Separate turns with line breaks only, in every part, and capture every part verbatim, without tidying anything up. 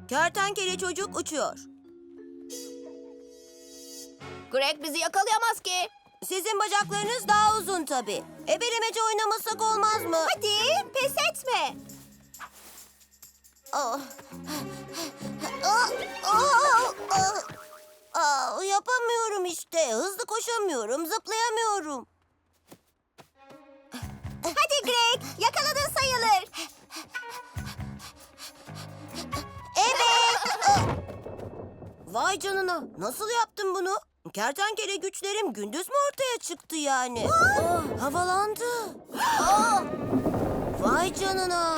Kertenkele çocuk uçuyor.
Greg bizi yakalayamaz ki.
Sizin bacaklarınız daha uzun tabii. Ebelemece oynamasak olmaz mı?
Hadi pes etme.
Ah. Ah, ah, ah. Ah, yapamıyorum işte. Hızlı koşamıyorum, zıplayamıyorum.
Hadi Greg, yakaladın sayılır.
Evet. Ah. Vay canına. Nasıl yaptın bunu? Kertenkele güçlerim gündüz mü ortaya çıktı yani? Ah, havalandı. Ah. Vay canına.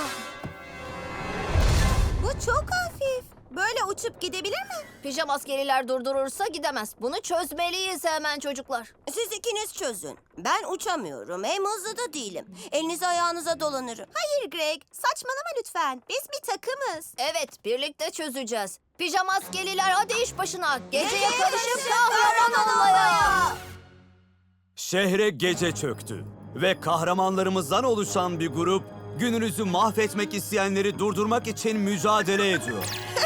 Bu çok hafif. Böyle uçup gidebilir mi? Pijama askeriler durdurursa gidemez. Bunu çözmeliyiz hemen çocuklar.
Siz ikiniz çözün. Ben uçamıyorum. Hem hızlı da değilim. Elinizi ayağınıza dolanırım.
Hayır Greg, saçmalama lütfen. Biz bir takımız. Evet, birlikte çözeceğiz. Pijama askeriler hadi iş başına. Geceye karışıp kahraman olmaya.
Şehre gece çöktü ve kahramanlarımızdan oluşan bir grup gününüzü mahvetmek isteyenleri durdurmak için mücadele ediyor.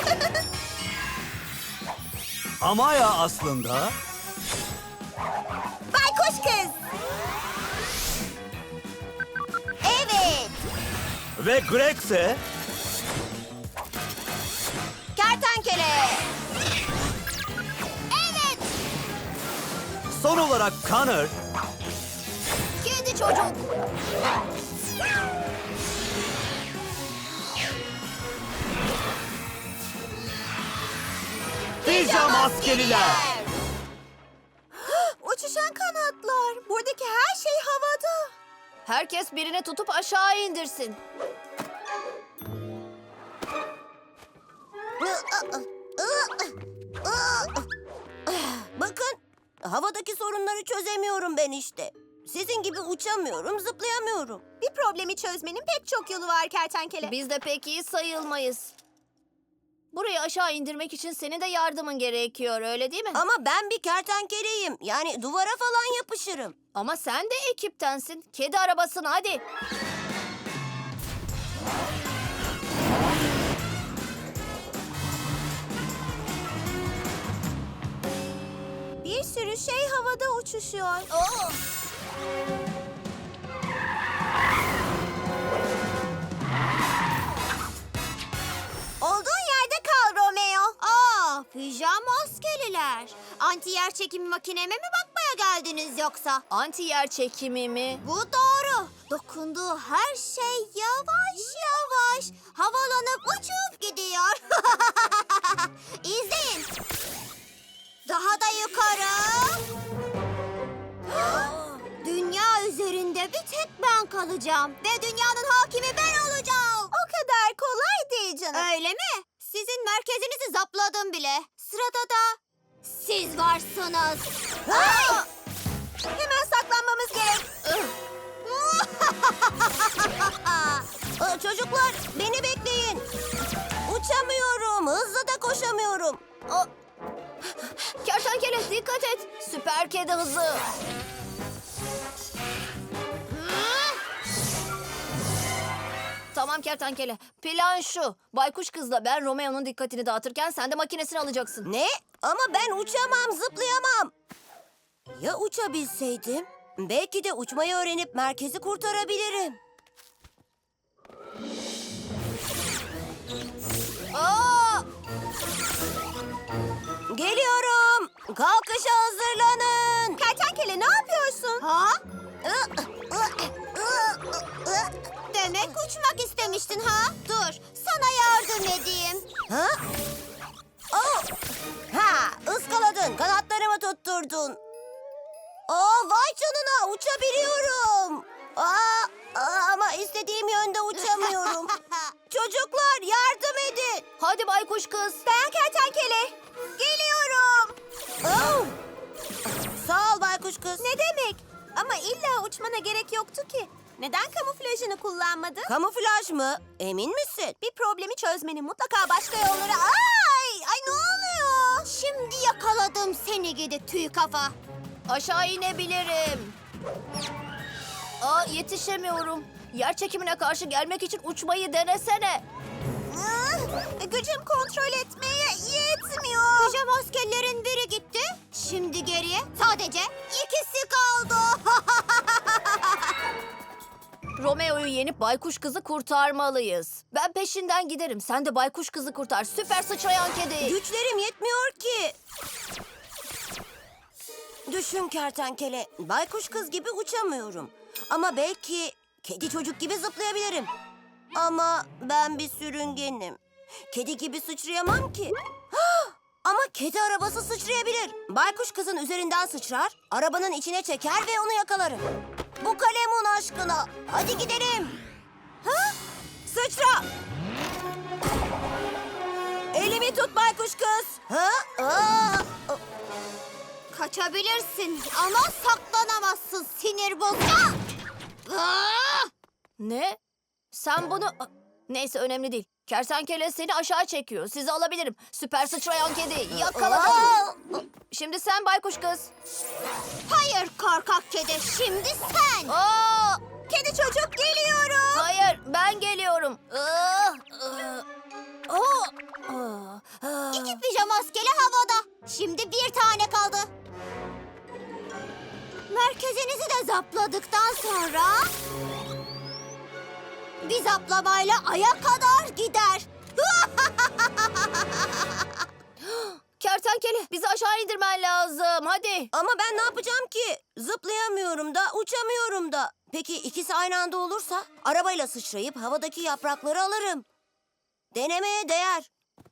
Amaya aslında
Baykuş kız.
Evet.
ve Greg ise
Kertenkele.
Evet,
son olarak Connor
kedi çocuk.
Pijama askeriler.
Uçuşan kanatlar. Buradaki her şey havada. Herkes birini tutup aşağı indirsin.
Bakın, havadaki sorunları çözemiyorum ben işte. Sizin gibi uçamıyorum, zıplayamıyorum.
Bir problemi çözmenin pek çok yolu var kertenkele. Biz de pek iyi sayılmayız. Burayı aşağı indirmek için senin de yardımın gerekiyor, öyle değil mi?
Ama ben bir kertenkeleyim. Yani duvara falan yapışırım.
Ama sen de ekiptensin. Kedi arabasına hadi. Bir sürü şey havada uçuşuyor. Oo. Olduğun yerde kal Romeo. Aa, pijama askeriler. Anti yer çekimi makineme mi bakmaya geldiniz yoksa? Anti yer çekimi mi? Bu doğru. Dokunduğu her şey yavaş yavaş havalanıp uçup gidiyor. İzleyin. Daha da yukarı. Dünya üzerinde bir tek ben kalacağım. Ve dünyanın hakimi ben olacağım. O kadar kolay değil canım. Öyle mi? Sizin merkezinizi zapladım bile. Sırada da siz varsınız. Ay! Hemen saklanmamız gerek.
Aa, çocuklar, beni bekleyin. Uçamıyorum, hızlı da koşamıyorum.
Aa! Kertenkele dikkat et. Süper kedi hızı. Tamam kertenkele. Plan şu. Baykuş kızla ben Romeo'nun dikkatini dağıtırken sen de makinesini alacaksın.
Ne? Ama ben uçamam, zıplayamam. Ya uçabilseydim? Belki de uçmayı öğrenip merkezi kurtarabilirim.
Aa!
Geliyorum. Kalkışa hazırlanın.
Kertenkele ne yapıyorsun? Ha? Demek uçmak istemiştin ha? Dur, sana yardım edeyim.
Ha? Oh! Ha, ıskaladın, kanatlarımı tutturdun. Aa, vay canına, uçabiliyorum. Aa, aa, ama istediğim yönde uçamıyorum. Çocuklar, yardım edin.
Hadi baykuş kız. Ben kertenkele. Geliyorum.
Oh! Sağ ol baykuş kız.
Ne demek? Ama illa uçmana gerek yoktu ki. Neden kamuflajını kullanmadın?
Kamuflaj mı? Emin misin?
Bir problemi çözmenin mutlaka başka yolları... Ay! Ay ne oluyor? Şimdi yakaladım seni gidi tüy kafa. Aşağı inebilirim. Aa yetişemiyorum. Yer çekimine karşı gelmek için uçmayı denesene. Gücüm kontrol etmeye yetmiyor. Pijama askerlerin biri gitti. Şimdi geriye sadece ikisi kaldı.
Romeo'yu yenip baykuş kızı kurtarmalıyız. Ben peşinden giderim. Sen de baykuş kızı kurtar. Süper sıçrayan kedi.
Güçlerim yetmiyor ki. Düşün kertenkele, baykuş kız gibi uçamıyorum. Ama belki kedi çocuk gibi zıplayabilirim. Ama ben bir sürüngenim. Kedi gibi sıçrayamam ki. Hah! Ama kedi arabası sıçrayabilir. Baykuş kızın üzerinden sıçrar, arabanın içine çeker ve onu yakalarım. Bu kalemun aşkına. Hadi gidelim. Ha? Sıçra. Elimi tut baykuş kız. Ha? Aa!
Kaçabilirsin ama saklanamazsın sinir bozucu. Aa!
Ne? Sen bunu... Neyse önemli değil. Kertenkele seni aşağı çekiyor. Sizi alabilirim. Süper sıçrayan kedi. Yakaladım.
Aa!
Şimdi sen baykuş kız.
Hayır korkak kedi, şimdi sen.
Aa!
Kedi çocuk geliyorum.
Hayır ben geliyorum. Aa! Aa! Aa! Aa!
İki pijama askeri havada. Şimdi bir tane kaldı. Merkezinizi de zapladıktan sonra... bir zaplamayla aya kadar gider.
Kertenkele bizi aşağı indirmen lazım. Hadi.
Ama ben ne yapacağım ki? Zıplayamıyorum da, uçamıyorum da. Peki ikisi aynı anda olursa? Arabayla sıçrayıp havadaki yaprakları alırım. Denemeye değer.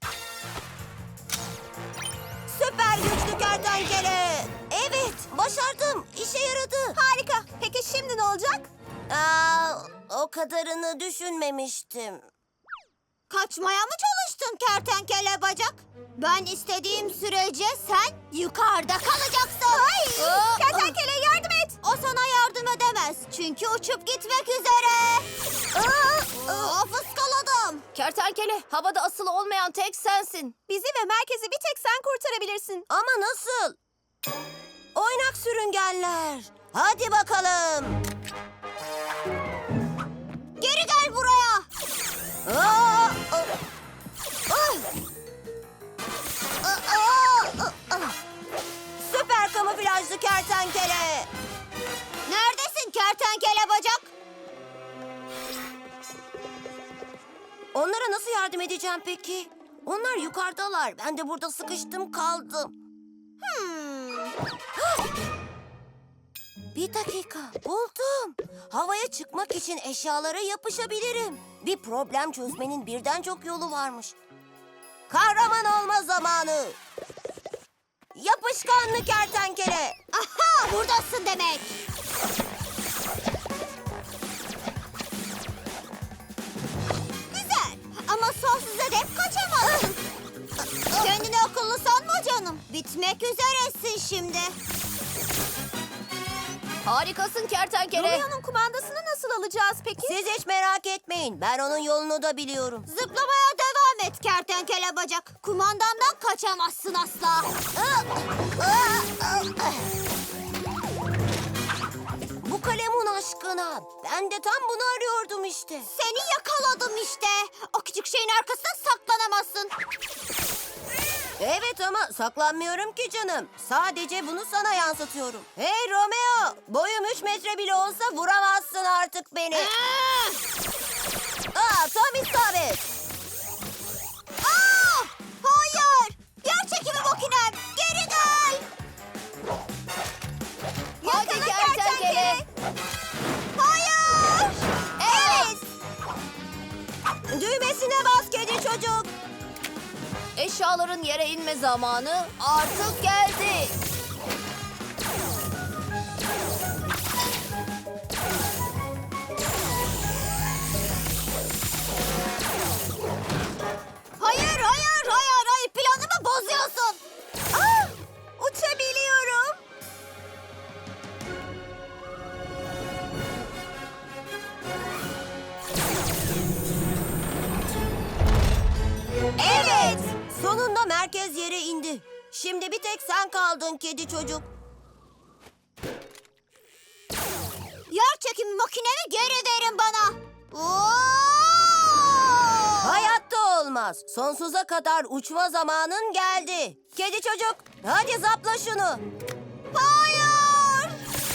Süper güçlü kertenkele. Evet, başardım. İşe yaradı.
Harika. Peki şimdi ne olacak?
Aa, o kadarını düşünmemiştim.
Kaçmaya mı çalıştın kertenkele bacak? Ben istediğim sürece sen yukarıda kalacaksın. Hayır.
Aa,
Kertenkele yardım et. O sana yardım edemez. Çünkü uçup gitmek üzere. Aa, aa, fıskaladım.
Kertenkele havada asılı olmayan tek sensin.
Bizi ve merkezi bir tek sen kurtarabilirsin.
Ama nasıl? Oynak sürüngenler. Hadi bakalım.
Geri gel buraya.
Aa, aa, ah. Aa, aa, aa. Süper kamuflajlı kertenkele.
Neredesin kertenkele bacak?
Onlara nasıl yardım edeceğim peki? Onlar yukarıdalar. Ben de burada sıkıştım kaldım.
Hmm.
Bir dakika, buldum. Havaya çıkmak için eşyalara yapışabilirim. Bir problem çözmenin birden çok yolu varmış. Kahraman olma zamanı. Yapışkanlı kertenkele.
Aha, buradasın demek. Güzel ama sonsuza dek kaçamazsın. Kendini akıllı sanma canım. Bitmek üzeresin şimdi.
Harikasın kertenkele.
kumandasını nasıl alacağız peki?
Siz hiç merak etmeyin. Ben onun yolunu da biliyorum.
Zıplamaya devam et kertenkele bacak. Kumandamdan kaçamazsın asla.
Bu kalemun aşkına. Ben de tam bunu arıyordum işte.
Seni yakaladım işte. O küçük şeyin arkasında saklanamazsın.
Evet ama saklanmıyorum ki canım. Sadece bunu sana yansıtıyorum. Hey Romeo! Boyum üç metre bile olsa vuramazsın artık beni.
Aa!
Aa, tam isabet.
Aa! Hayır! Yer çekimi makinem! Geri gel!
Hadi
Yakala
kertenkele.
Hayır! Evet!
Düğmesine bas kedi çocuk.
Eşyaların yere inme zamanı artık geldi.
Hayır, hayır, hayır, hayır! Planımı bozuyorsun! Ah! Uçabiliyorum!
Evet. Sonunda merkez yere indi. Şimdi bir tek sen kaldın kedi çocuk.
Yer çekimi makinemi geri verin bana! Oo!
Hayatta Olamaz. Sonsuza kadar uçma zamanın geldi. Kedi çocuk, hadi zapla şunu.
Hayır!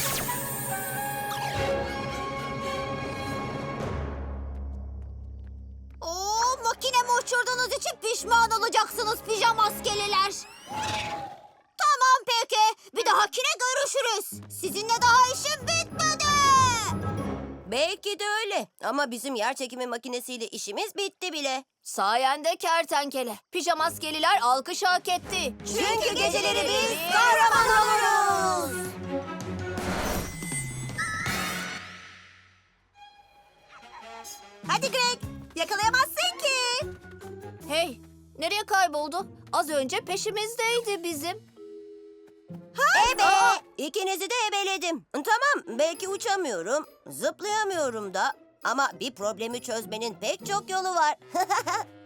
Oo, makinemi uçurduğunuz için pişman olacaksınız pijama askeriler. Tamam peki. Bir dahakine görüşürüz. Sizinle daha işim bitmedi.
Belki de öyle. Ama bizim yer çekimi makinesiyle işimiz bitti bile.
Sayende kertenkele. Pijamaskeliler alkış hak etti.
Çünkü geceleri biz kahraman oluruz.
Hadi Greg. Yakalayamazsın ki.
Hey, nereye kayboldu? Az önce peşimizdeydi bizim.
Ebe! İkinizi de ebeledim. Tamam, belki uçamıyorum, zıplayamıyorum da. Ama bir problemi çözmenin pek çok yolu var.